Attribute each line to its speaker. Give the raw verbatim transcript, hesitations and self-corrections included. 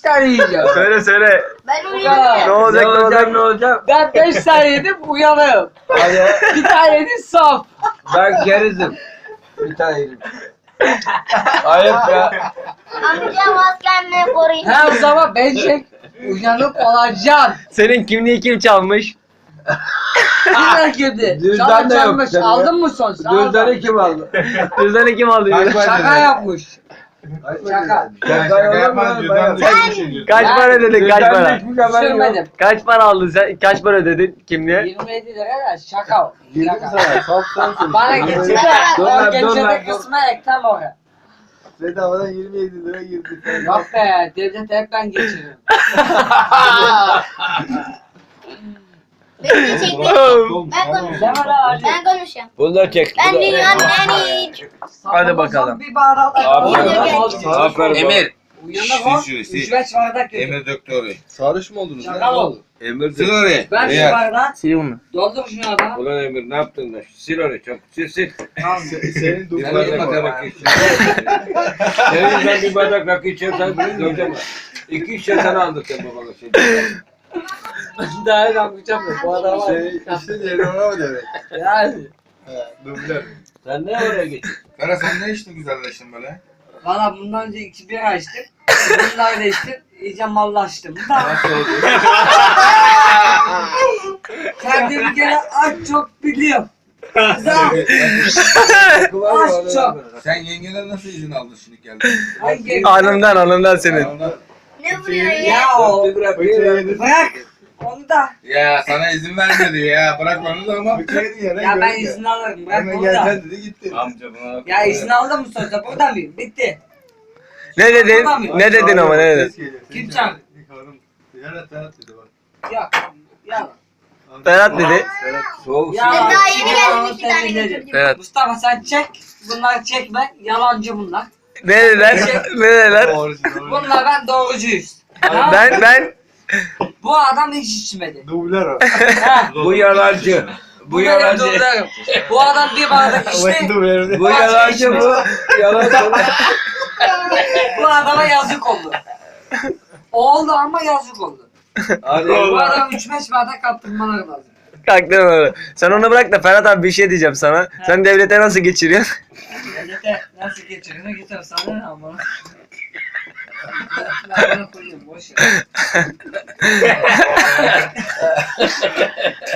Speaker 1: tane yiyeceğim.
Speaker 2: Söyle söyle.
Speaker 3: Ben
Speaker 2: Ne
Speaker 3: uyuyorum.
Speaker 2: olacak ne olacak?
Speaker 4: ne olacak?
Speaker 1: Ben beş tane yedim uyanığım.
Speaker 4: Hadi
Speaker 1: Bir tane yedim saf.
Speaker 4: ben gerizim. Bir tane yedim. Ayıp ya.
Speaker 3: Amcam az kendini koruyun.
Speaker 1: Her zaman bence uyanık olacaksın.
Speaker 2: Senin kimliği kim çalmış?
Speaker 1: Kimler girdi?
Speaker 4: Cüzdan
Speaker 1: Sana
Speaker 4: da yok
Speaker 1: çalmış.
Speaker 4: senin.
Speaker 1: Aldın mı son? Sağ ol.
Speaker 4: Cüzdanı kim aldı?
Speaker 2: Cüzdanı kim aldı?
Speaker 1: Şaka yapmış. Şaka.
Speaker 4: Şaka yapma cüzdan
Speaker 2: Kaç para ödedin kaç para?
Speaker 1: Sürmedim.
Speaker 2: Kaç para aldın sen? Kaç para ödedin kimliğe?
Speaker 1: yirmi yedi lira da şaka o.
Speaker 4: Girdim
Speaker 1: Şaka.
Speaker 4: sana. Saf sensin.
Speaker 1: Bana getir de
Speaker 4: Dur
Speaker 1: o
Speaker 4: lan, dur
Speaker 1: gecede
Speaker 4: lan, dur.
Speaker 1: kısma ektem oraya.
Speaker 4: Bedavadan yirmi yedi lira girdi.
Speaker 1: Yok be devlet hep ben geçiririm.
Speaker 3: Beni çekti. Ben konuşuyorum.
Speaker 1: Deme la Ali.
Speaker 3: Ben konuşuyorum.
Speaker 4: Bunu da çek.
Speaker 3: Ben dünyanın en iyi.
Speaker 2: Hadi bakalım.
Speaker 1: Bir bardak
Speaker 4: Aferin. Aferin.
Speaker 5: Emir.
Speaker 1: Uyanık ol.
Speaker 5: Sil şu, sil.
Speaker 1: Üç beş bardak yedim.
Speaker 5: Emir döktü orayı.
Speaker 4: Sarhoş mu oldunuz?
Speaker 1: Şaka ol.
Speaker 5: Emir sil orayı.
Speaker 1: Ben şu
Speaker 5: Eğer.
Speaker 1: bardağı
Speaker 2: Sil bunu.
Speaker 1: doldur şunu adama.
Speaker 5: Ulan Emir ne yaptın da? Sil orayı çabuk sil sil.
Speaker 1: Tamam.
Speaker 4: Senin
Speaker 5: Bir bardak
Speaker 4: duvarın
Speaker 5: rakı iç. Senin ben bir bardak rakı içersen döveceğim. İki şişe sana aldıracağım babana şimdi.
Speaker 1: Daha ne yapacağım ben? Bu adama.
Speaker 4: Şey, işte yerine ona mı demek?
Speaker 1: Yani.
Speaker 4: He, dublör.
Speaker 5: Sen ne oraya geçtin?
Speaker 6: Kara sen ne içtin güzelleştin böyle?
Speaker 1: Valla bundan önce iki bira içtim. Bunlar da içtim. İyice mallaştım. Da
Speaker 5: Nasıl oldu?
Speaker 1: kendimi gene aç çok biliyorum. Da aç çok.
Speaker 6: Sen yengeden nasıl izin aldın şimdi geldin?
Speaker 1: Hangi?
Speaker 2: Anımdan anımdan senin.
Speaker 3: Ne vuruyor ya?
Speaker 1: Ya o.
Speaker 5: Bir bırak, bir
Speaker 4: Bıçağı
Speaker 5: bırak.
Speaker 4: yedin.
Speaker 1: Bırak. Onu da.
Speaker 6: Ya sana izin vermedi ya. Bırak onu da ama.
Speaker 4: Bıçağı yedin ya.
Speaker 1: Ya ben izin alırım. Bırak
Speaker 4: Hemen
Speaker 1: onu da.
Speaker 4: gelsen dedi gitti.
Speaker 5: Amca buna.
Speaker 1: Ya izin aldım mı sözde? Burada mıyım? Bitti.
Speaker 2: Ne dedin? Ne dedin ama ne dedin?
Speaker 1: Kim çağırdı?
Speaker 4: Serhat Serhat dedi bak.
Speaker 1: Yok. Yalan.
Speaker 2: Ferhat dedi.
Speaker 4: Serhat.
Speaker 5: Soğuk.
Speaker 1: Yalan.
Speaker 3: Ben daha yeni
Speaker 1: Yalan
Speaker 3: geldim iki tane
Speaker 1: temizledim.
Speaker 3: getirdim.
Speaker 2: Evet.
Speaker 1: Mustafa sen çek. Bunları çekme. Yalancı bunlar.
Speaker 2: Ne dediler? Ne dediler?
Speaker 1: Bunlar ben doğrucuyuz. Ha?
Speaker 2: Ben ben
Speaker 1: Bu adam hiç içmedi.
Speaker 4: Dublör o.
Speaker 1: Ha.
Speaker 5: Bu yalancı.
Speaker 1: Bu,
Speaker 5: Bu
Speaker 1: benim
Speaker 5: yalancı.
Speaker 1: doğrularım. Bu adam bir bardak içti.
Speaker 4: Dublör.
Speaker 5: Bu yalancı bu. Yalancı.
Speaker 1: Bu adama yazık oldu. Oldu ama yazık oldu.
Speaker 5: Hadi.
Speaker 1: Bu adam üç beş bardak kaptırmalar lazım.
Speaker 2: kalktım öyle. Sen onu bırak da Ferhat abi bir şey diyeceğim sana. Sen devlete nasıl geçiriyorsun?
Speaker 1: Devlete nasıl geçirir? Geçer sana ne ama. Ben bunu koyayım boş ver.